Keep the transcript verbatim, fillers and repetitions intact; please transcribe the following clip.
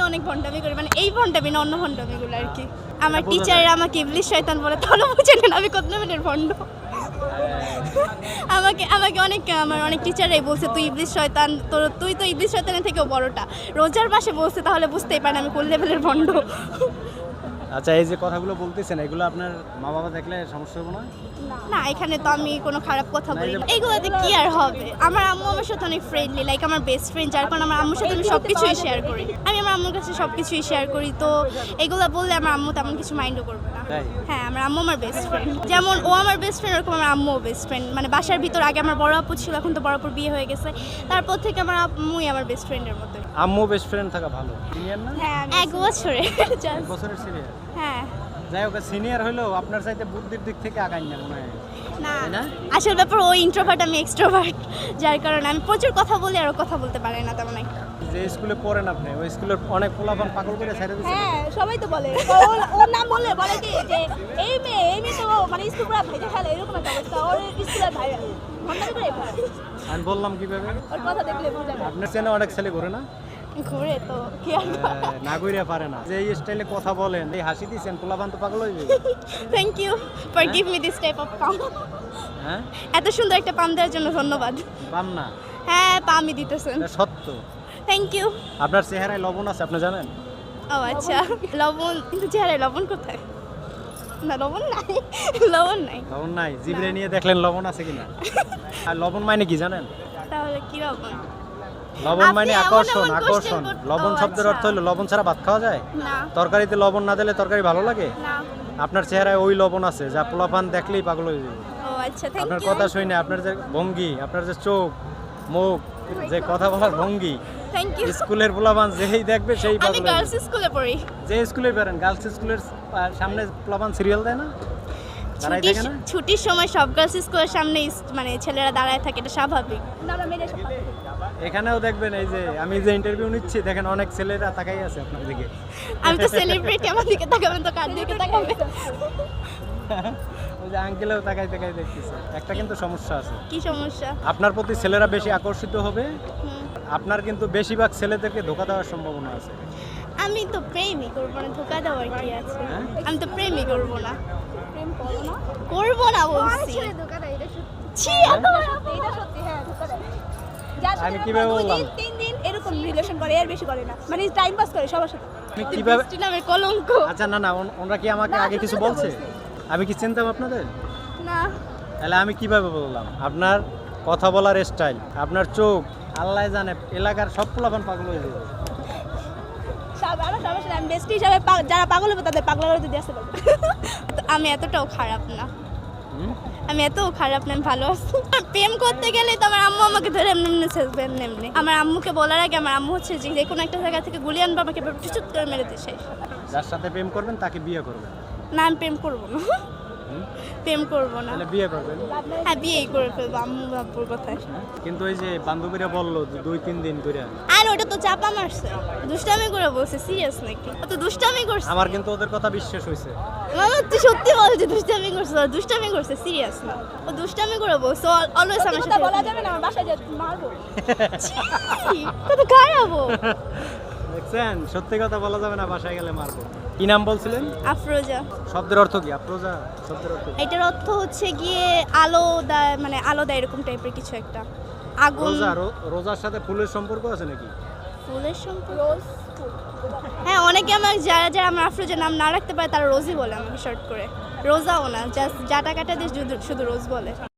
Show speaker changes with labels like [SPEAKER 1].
[SPEAKER 1] অনেক ভণ্ডামি করি, মানে এই ভণ্ডামি না অন্য ভণ্ডামিগুলো আর কি। আমার টিচাররা আমাকে ইবলিশ শয়তান বলে, তাহলে বুঝে নেন আমি কত লেভেলের ভণ্ড। আমাকে আমাকে অনেক আমার অনেক টিচাররাই বলছে তুই ইবলিশ শয়তান, তোর তুই তো ইবলিশ শয়তানের থেকেও বড়টা। রোজার মাসে বলছে, তাহলে বুঝতেই পারেন আমি কোন লেভেলের ভণ্ড।
[SPEAKER 2] আচ্ছা, এই যে কথাগুলো বলতেছেন এগুলো আপনার মা বাবা দেখলে সমস্যা হবে না?
[SPEAKER 1] না, এখানে তো আমি কোনো খারাপ কথা বলি না, এইগুলোতে কি আর হবে। আমার আম্মু আমার সাথে অনেক ফ্রেন্ডলি, লাইক আমার বেস্ট ফ্রেন্ড, যার কারণে আমার আম্মুর সাথে আমি সব কিছুই শেয়ার করি। আমি আমার আম্মুর কাছে সব কিছুই শেয়ার করি, তো এগুলো বললে আমার আম্মু তেমন কিছু মাইন্ডও করবে না।
[SPEAKER 2] তাই?
[SPEAKER 1] হ্যাঁ, আমার আম্মু আমার বেস্ট ফ্রেন্ড, যেমন ও আমার বেস্ট ফ্রেন্ড ওরকম আমার আম্মুও বেস্ট ফ্রেন্ড। মানে বাসার ভিতর আগে আমার বড় আপু ছিল, এখন তো বড় আপুর বিয়ে হয়ে গেছে, তারপর থেকে আমার আম্মুই আমার বেস্ট ফ্রেন্ডের মতো।
[SPEAKER 2] আম্মু বেস্ট ফ্রেন্ড থাকা ভালো, সিনিয়র না?
[SPEAKER 1] হ্যাঁ, এক বছরে
[SPEAKER 2] এক বছরের সিনিয়র।
[SPEAKER 1] হ্যাঁ,
[SPEAKER 2] যাই হোক, সিনিয়র হলেও আপনার চাইতে বুদ্ধির দিক থেকে আগাই না মনে হয়।
[SPEAKER 1] না
[SPEAKER 2] না?
[SPEAKER 1] আসল ব্যাপার ও ইন্ট্রোভার্ট, আমি এক্সট্রোভার্ট, যার কারণে আমি প্রচুর কথা বলি আর ও কথা বলতে পারে না তেমন একটা।
[SPEAKER 2] যে স্কুলে পড়েন আপনি, ওই স্কুলের অনেক পোলাপান পাগল করে ছেড়ে দিচ্ছে।
[SPEAKER 3] হ্যাঁ, সবাই তো বলে ওর ওর নাম বললে বলে কি যে এই মেয়ে এই মেয়ে তো মানে স্কুল পুরো ভাইজা খেলে, এরকম একটা অবস্থা। ওর স্কুলের ভাই ভণ্ডামি করে ভাই,
[SPEAKER 2] আমি বললাম কিভাবে?
[SPEAKER 3] ওর কথা দেখলে বোঝা যায়।
[SPEAKER 2] আপনার চেনে অনেক ছেলে করে না?
[SPEAKER 1] ঘুরে তো কি আর
[SPEAKER 2] হ্যাঁ, না কইরা পারে না। যে এই স্টাইলে কথা বলেন, এই হাসি দিচ্ছেন, পোলাপান তো পাগল হয়ে যাবে।
[SPEAKER 1] Thank you for give me this type of পাম।
[SPEAKER 2] হ্যাঁ,
[SPEAKER 1] এত সুন্দর একটা পাম দেওয়ার জন্য ধন্যবাদ।
[SPEAKER 2] পাম না,
[SPEAKER 1] হ্যাঁ, পামই দিতেছেন,
[SPEAKER 2] এটা সত্য।
[SPEAKER 1] Thank you.
[SPEAKER 2] আপনার চেহারায় লবণ আছে, আপনি জানেন?
[SPEAKER 1] ও আচ্ছা, লবণ কিন্তু চেহারায় লবণ কোথায়? না, লবণ নাই, লবণ নাই।
[SPEAKER 2] লবণ নাই? জিভরে নিয়ে দেখলেন লবণ আছে কিনা? আর লবণ মানে কি জানেন?
[SPEAKER 1] তাহলে কি লবণ?
[SPEAKER 2] লবণ মানে
[SPEAKER 1] আপনি এমন
[SPEAKER 2] আকর্ষণ।
[SPEAKER 1] এমন
[SPEAKER 2] আকর্ষণ
[SPEAKER 1] question করতে-
[SPEAKER 2] লবণ
[SPEAKER 1] ও
[SPEAKER 2] শব্দের
[SPEAKER 1] আচ্ছা।
[SPEAKER 2] অর্থ হলো লবণ ছাড়া ভাত খাওয়া যায়?
[SPEAKER 1] না
[SPEAKER 2] তরকারিতে লবণ না দিলে তরকারি ভালো লাগে?
[SPEAKER 1] না।
[SPEAKER 2] আপনার চেহারায় ওই লবণ আছে যা পোলাপান দেখলেই পাগল হয়ে যাবে।
[SPEAKER 1] ও আচ্ছা, থ্যাংক
[SPEAKER 2] আপনার
[SPEAKER 1] ইউ।
[SPEAKER 2] কথা শুনে, আপনার যে ভঙ্গি, আপনার যে চোখ মুখ, যে কথা বলার ভঙ্গি,
[SPEAKER 1] থ্যাংক ইউ।
[SPEAKER 2] স্কুলের পোলাপান যেই দেখবে সেই
[SPEAKER 1] আমি
[SPEAKER 2] পাগল হয়ে
[SPEAKER 1] গার্লস
[SPEAKER 2] যাবে।
[SPEAKER 1] স্কুলে পড়ি।
[SPEAKER 2] যে স্কুলে বেরেন, গার্লস স্কুলের আহ, সামনে পোলাপান সিরিয়াল দেয় না, দাঁড়াই
[SPEAKER 1] ছুটির
[SPEAKER 2] থাকে না?
[SPEAKER 1] ছুটির সময় সব গার্লস স্কুলের সামনে ইস- মানে ছেলেরা দাঁড়ায় থাকে, এটা স্বাভাবিক।
[SPEAKER 3] না না মেরে সব
[SPEAKER 2] এখানেও দেখবেন, এই যে আমি যে ইন্টারভিউ নিচ্ছি, দেখেন অনেক ছেলেরা তাকাই আছে আপনার দিকে।
[SPEAKER 1] আমি তো সেলিব্রিটি, আমার দিকে তাকাবেন তো কার দিকে তাকাবেন?
[SPEAKER 2] ওই যে আঙ্কেলেও তাকাই তাকাই দেখতেছে। একটা কিন্তু সমস্যা আছে,
[SPEAKER 1] কি সমস্যা?
[SPEAKER 2] আপনার প্রতি ছেলেরা বেশি আকর্ষিত হবে,
[SPEAKER 1] হুম।
[SPEAKER 2] আপনার কিন্তু বেশিরভাগ ছেলেদেরকে ধোকা দেওয়ার সম্ভাবনা আছে।
[SPEAKER 1] আমি তো প্রেমই করবো না, ধোকা দেওয়ার কি আছে?
[SPEAKER 2] হ্যাঁ?
[SPEAKER 1] আমি তো প্রেমই করবো না,
[SPEAKER 3] প্রেম করো না।
[SPEAKER 1] করবো না
[SPEAKER 3] অনেক
[SPEAKER 1] বলছি।
[SPEAKER 3] ছেলে ধোকা দেয়, এটা সত্যি।
[SPEAKER 1] ছি, এত বড়
[SPEAKER 3] সত্যি, এটা সত্যি, হ্যাঁ ধোকা দেয়। যার সাথে
[SPEAKER 2] আমি
[SPEAKER 3] এরকম
[SPEAKER 2] কিভাবে
[SPEAKER 3] দুই
[SPEAKER 2] বললাম?
[SPEAKER 3] দিন, তিন দিন এরকম রিলেশন করে, এর বেশি করে না, মানে টাইম পাস করে সবার সাথে।
[SPEAKER 2] আমি কিভাবে?
[SPEAKER 1] বৃষ্টি নামের কলঙ্ক।
[SPEAKER 2] আচ্ছা, না না, ওন- ওনরা কি আমাকে
[SPEAKER 3] না,
[SPEAKER 2] আগে কিছু
[SPEAKER 3] তোমরা তো
[SPEAKER 2] বলছে?
[SPEAKER 3] বলছি।
[SPEAKER 2] আমি কি চিনতাম আপনাদের?
[SPEAKER 1] না,
[SPEAKER 2] তাহলে আমি কিভাবে বললাম? আপনার কথা বলার স্টাইল, আপনার চোখ, আল্লাহ জানে, এলাকার সব পোলাপান পাগল হয়ে যাবে।
[SPEAKER 3] সব আমার সমস্যা নেই, আমি বেস্টি হিসাবে পা- যারা পাগল হবে তাদের পাগলা করে দিয়ে আসতে পারবো।
[SPEAKER 1] তো আমি এতটাও খারাপ না,
[SPEAKER 2] হুম?
[SPEAKER 1] আমি এত খারাপ না, আমি ভালো আছি। প্রেম করতে গেলে তো আমার আম্মু আমাকে ধরে এমনি এমনি ছেড়বেন এমনি। আমার আম্মুকে বলার আগে আমার আম্মু হচ্ছে যে যে কোনো একটা জায়গা থেকে গুলি আনবে, আমাকে চুচুত করে মেরে দিয়ে শেষ।
[SPEAKER 2] যার সাথে প্রেম করবেন তাকে বিয়ে করবেন।
[SPEAKER 1] না, আমি প্রেম করবো না,
[SPEAKER 2] হুম?
[SPEAKER 1] প্রেম করবো না।
[SPEAKER 2] তাহলে বিয়ে করবেন।
[SPEAKER 1] হ্যাঁ, বিয়েই করে ফেলবো আম্মু বাপুর কথায়।
[SPEAKER 2] কিন্তু ওই যে বান্ধবীরা বললো যে দুই তিন দিন করে,
[SPEAKER 1] আর ওটা তো চাপা মারছে, দুষ্টামি করে বলছে, সিরিয়াস নাকি? ও তো দুষ্টামি করছে।
[SPEAKER 2] আমার কিন্তু ওদের কথা বিশ্বাস হয়েছে।
[SPEAKER 1] মামা তুই সত্যি বল যে দুষ্টামি করছে, ও দুষ্টামি করছে, সিরিয়াস না, ও দুষ্টামি করে বলছে, অলওয়েজ আমার
[SPEAKER 3] কথা
[SPEAKER 1] সাথে
[SPEAKER 3] বলা যাবে না, আমার বাসায় যে মারবো।
[SPEAKER 1] ছি, কত খারাপ ও।
[SPEAKER 2] দেখছেন, সত্যি কথা বলা যাবে না, বাসায় গেলে মারবো। কি নাম বলছিলেন?
[SPEAKER 1] আফরোজা।
[SPEAKER 2] শব্দের অর্থ কি? আফরোজা শব্দের অর্থ কি?
[SPEAKER 1] এটার অর্থ হচ্ছে গিয়ে আলো দেয়, মানে আলো দেয় এরকম টাইপের কিছু একটা, আগুন।
[SPEAKER 2] রোজা, রো- রোজার সাথে ফুলের সম্পর্ক আছে নাকি?
[SPEAKER 1] ফুলের সম্পর্ক?
[SPEAKER 3] রোজ
[SPEAKER 1] হ্যাঁ, অনেকে আমার যারা যারা আমার আফরোজার নাম না রাখতে পারে তারা রোজই বলে আমাকে শর্ট করে। রোজাও না, জাস্ট জাটা কাটা দিয়ে শুধু শুধু রোজ বলে।